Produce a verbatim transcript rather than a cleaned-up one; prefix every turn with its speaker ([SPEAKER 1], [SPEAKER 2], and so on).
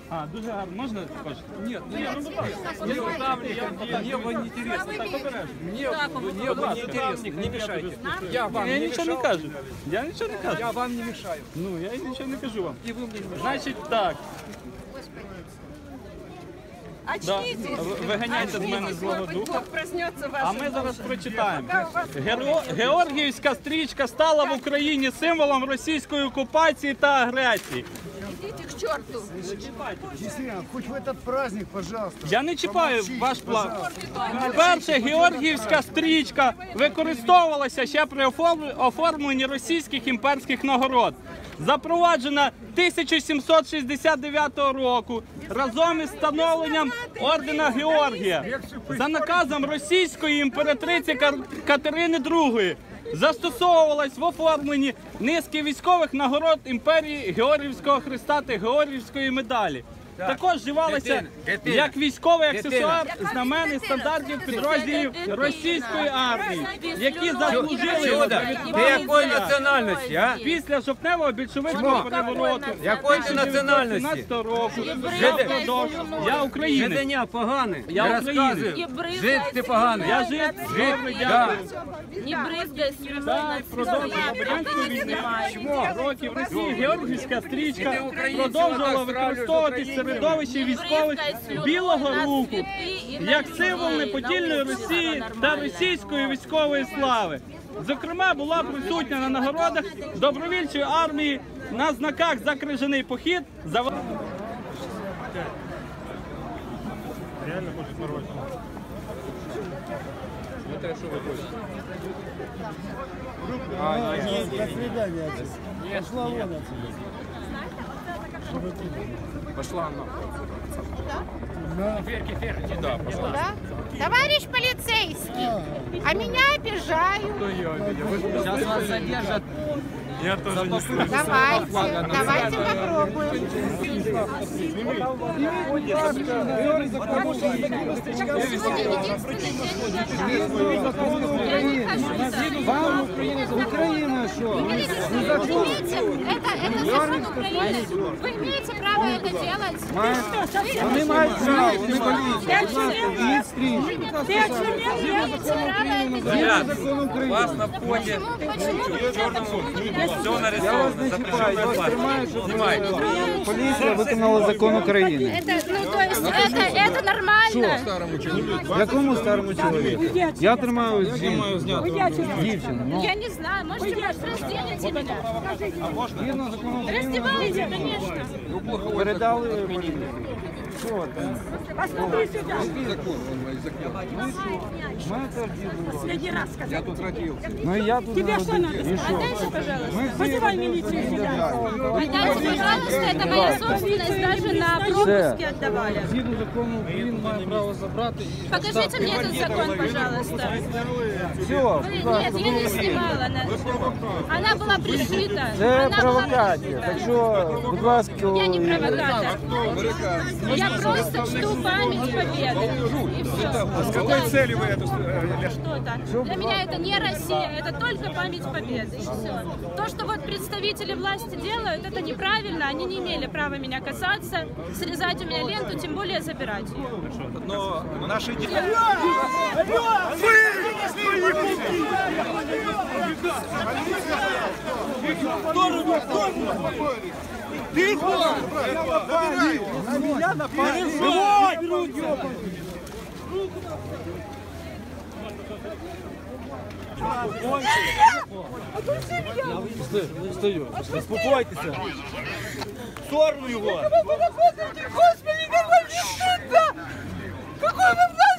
[SPEAKER 1] А, дуже гарно. Можна також?
[SPEAKER 2] Нет, нет, ну, мне вам не интересно.
[SPEAKER 1] Так, обережно.
[SPEAKER 2] Мне, мне вам не интересно, не мешайте. Я вам
[SPEAKER 1] Я
[SPEAKER 2] не
[SPEAKER 1] нічого не
[SPEAKER 2] мешал.
[SPEAKER 1] кажу. Я нічого не кажу.
[SPEAKER 2] Я вам не мешаю.
[SPEAKER 1] Ну, я нічого не кажу вам.
[SPEAKER 2] И вы мне не мешаете.
[SPEAKER 1] Значить так. Да.
[SPEAKER 3] Очнитесь!
[SPEAKER 1] В- Виганяйте з мене злого духа.
[SPEAKER 3] Бог проснется в
[SPEAKER 1] А
[SPEAKER 3] вашем
[SPEAKER 1] ми зараз
[SPEAKER 3] доме.
[SPEAKER 1] прочитаємо.
[SPEAKER 3] Пока у вас
[SPEAKER 1] Геро... Георгіївська стрічка стала в Україні символом російської окупації та агресії.
[SPEAKER 3] Идите к черту!
[SPEAKER 4] Действительно, хоть в этот праздник, пожалуйста.
[SPEAKER 1] Я не чіпаю
[SPEAKER 4] помолчите,
[SPEAKER 1] ваш план.
[SPEAKER 4] пожалуйста.
[SPEAKER 1] Перша георгіївська стрічка використовувалася ще при оформ- оформленні російських імперських нагород. Запроваджена тисяча сімсот шістдесят дев'ятого року разом із встановленням ордена Георгія за наказом російської імператриці Кар- Катерини другої. Застосовувалась в оформленні низки військових нагород імперії Георгіївського Христа та Георгіївської медалі. Також вживалася як військовий аксесуар знамен і стандартів підрозділів російської армії, які заслужили
[SPEAKER 5] Чудо,
[SPEAKER 1] за
[SPEAKER 5] ты
[SPEAKER 1] відвагу
[SPEAKER 5] какой
[SPEAKER 1] життя.
[SPEAKER 5] национальности, а?
[SPEAKER 1] Після жовтневого більшовицького перевороту
[SPEAKER 5] Якої ти національності?
[SPEAKER 1] тисяча дев'ятсот сімнадцятого року
[SPEAKER 5] Жиди.
[SPEAKER 1] я продовжив. Я українець.
[SPEAKER 5] Жиденя поганий,
[SPEAKER 1] Я
[SPEAKER 5] не
[SPEAKER 1] українець.
[SPEAKER 5] розказуй. Жид ти поганий.
[SPEAKER 1] Я жив, добре, дякую.
[SPEAKER 6] Не брызгай
[SPEAKER 1] Так, продовжував радянську війну. Років Росії Георгіївська стрічка продовжувала використовуватись в середовищі військових білого руху як символ неподільної Росії та російської військової слави. Зокрема, була присутня на нагородах добровільчої армії, на знаках за крижаний похід. За... Реально хочуть нарвати.
[SPEAKER 4] До свидания. Пошла вон отсюда.
[SPEAKER 2] Пошла она.
[SPEAKER 4] Да.
[SPEAKER 7] Да? Товарищ полицейский, а меня обижают.
[SPEAKER 5] Сейчас вас задержат.
[SPEAKER 1] Я тоже не слышу.
[SPEAKER 7] Давайте, давайте попробуем.
[SPEAKER 4] Вам Украина что?
[SPEAKER 7] Имеете, это, это закон Украины. Вы имеете право это делать.
[SPEAKER 4] Вони мають право, вони поліція. Їх стрічку.
[SPEAKER 7] Имеете право это делать.
[SPEAKER 4] Закон України.
[SPEAKER 5] Вас на входе
[SPEAKER 7] Почему вы это
[SPEAKER 5] все
[SPEAKER 4] Я вас
[SPEAKER 5] нарисовано,
[SPEAKER 4] не чіпаю, я вас тримаю, щоб
[SPEAKER 5] Снимайте.
[SPEAKER 4] поліція виконала закон України.
[SPEAKER 7] Это, ну, то есть, это, это нормально.
[SPEAKER 4] Якому старому чоловіку? Я тримаю жінку. Дівчину. Ну,
[SPEAKER 7] Я не знаю, можете разделите меня.
[SPEAKER 4] згідно закону України,
[SPEAKER 7] Раздевайте, конечно.
[SPEAKER 4] передали поліцію. Що там?
[SPEAKER 6] Посмотри сюда.
[SPEAKER 4] Ми теж діли.
[SPEAKER 6] Последний раз сказал.
[SPEAKER 2] Я тут родился.
[SPEAKER 4] Ну і я тут
[SPEAKER 6] Тебе что
[SPEAKER 4] народився.
[SPEAKER 6] надо?
[SPEAKER 4] І що?
[SPEAKER 7] Отдайте, пожалуйста.
[SPEAKER 4] Ми всі
[SPEAKER 6] Вызывай милицию сюда.
[SPEAKER 7] Отдайте, пожалуйста, это моя собственность, даже на пропуске отдавали.
[SPEAKER 4] Згідно закону України має право забрати. і-
[SPEAKER 7] Покажите мне этот закон, пожалуйста.
[SPEAKER 4] Все,
[SPEAKER 7] Вы-
[SPEAKER 4] будь ласка,
[SPEAKER 7] Нет, я не снимала. Она, она была пришита.
[SPEAKER 4] це
[SPEAKER 7] Она была
[SPEAKER 4] провокація.
[SPEAKER 7] пришита.
[SPEAKER 4] Так що, будь ласка,
[SPEAKER 7] Я не провокатор. Я просто чту память победы. И все.
[SPEAKER 2] С какой целью вы это... э,
[SPEAKER 7] Что-то. Для меня это не Россия, это только память победы. И все. То, что вот представители власти делают, это неправильно. Они не имели права меня касаться, срезать у меня ленту, тем более забирать ее.
[SPEAKER 2] Но наши дети...
[SPEAKER 4] Стою. Успокойтеся. В сторону його.
[SPEAKER 3] Господи, какой мне стыдно! Какой вы